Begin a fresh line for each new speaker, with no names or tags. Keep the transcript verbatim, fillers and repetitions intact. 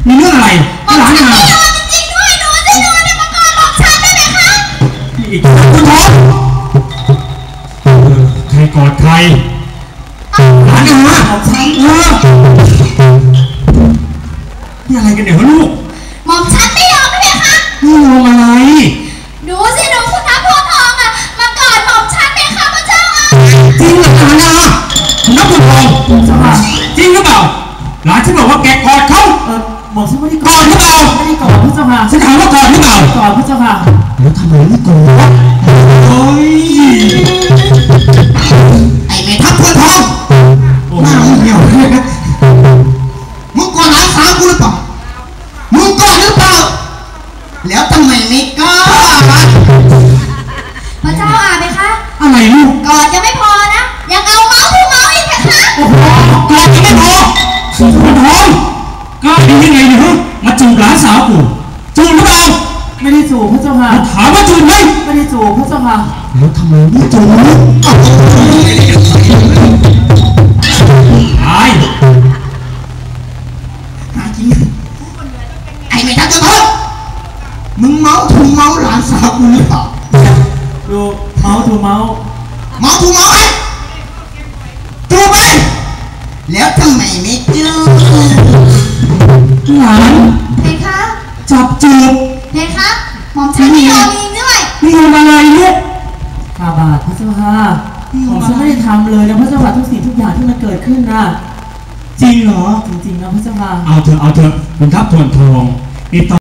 มีเรื่องอะไรหลานมา
จริงๆด้วยหนูจะนอนในมังกรหลอกฉันได้ไหมคะ
อีกคุณท้องใครกอดใครหลานมาของฉันเออนี่อะไรกันเนี่ยลูก
หม่อมฉันไม่ยอมได้ไหมคะ
ไม่ยอมอะไร
ดูสิดูคุณน้าพวงทองอะมากอดหม่อมฉันไหมคะพระเจ้าอ่ะ
จริงหรือเปล่านะคุณน้าพวงทองจริงหรือเปล่าหลานฉันบอกว่าแกกอดเขา
เออบอกฉันไม่ได้
กอดหรือเปล่า
ไม่ได้กอดพระเจ้าค่ะ
ฉันถามว่ากอดหรือเปล่าก
อดพระเจ้าค่ะ
แล้วทำไมไม่กอดโอ้ย
ไอ้แม่ทัพพวงทองหน้ามึงเหี่ยวเลยนะมึงกอดหลานสาวกูหรือเปล่ามึงกอดหรือเปล่าแล้วทำไมไม่กอด
พระเจ้าอ่ะไหมคะ
อะไรลูก
กอดยังไม่พอนะยังเอาเมาส์ทูเมาส์อีกไหมคะ
โอ้โหกอดยังไม่พอคุณทองก็ดียังไงเนี่ยฮะมาจูบหลานสาวกูจูบหรือเปล่า
ไม่ได้จูบพระเจ้าค่ะ
ถามว่าจูบไหม
ไม่ได้จูบพระเจ้าค่ะ
แล้วทำไมไม่จูบตาย
หาจริงไอ้แม่ทัพพวงทองมึงเมาถูเมาหลานสาวกูหรือเปล่า
ดูเมาส์ดูเมาส์
เมาถูเมาไหมจูบไหมแล้วทำไมไม่จูบ
หลาน
เพคะ
จับจูบ
เพคะหม่อมฉันไม่ยอมจริงด้วย
นี่ทำอะไรลูก
ข้าบาทพระเจ้าค่ะผมฉันไม่ได้ทำเลยนะพระเจ้าค่ะทุกสิ่งทุกอย่างที่มันเกิดขึ้นนะ
จริงเหรอ
จริงๆนะพระเจ้าค่ะ
เอาเถอะเอาเถอะคุณทัพทวนทองนี่ต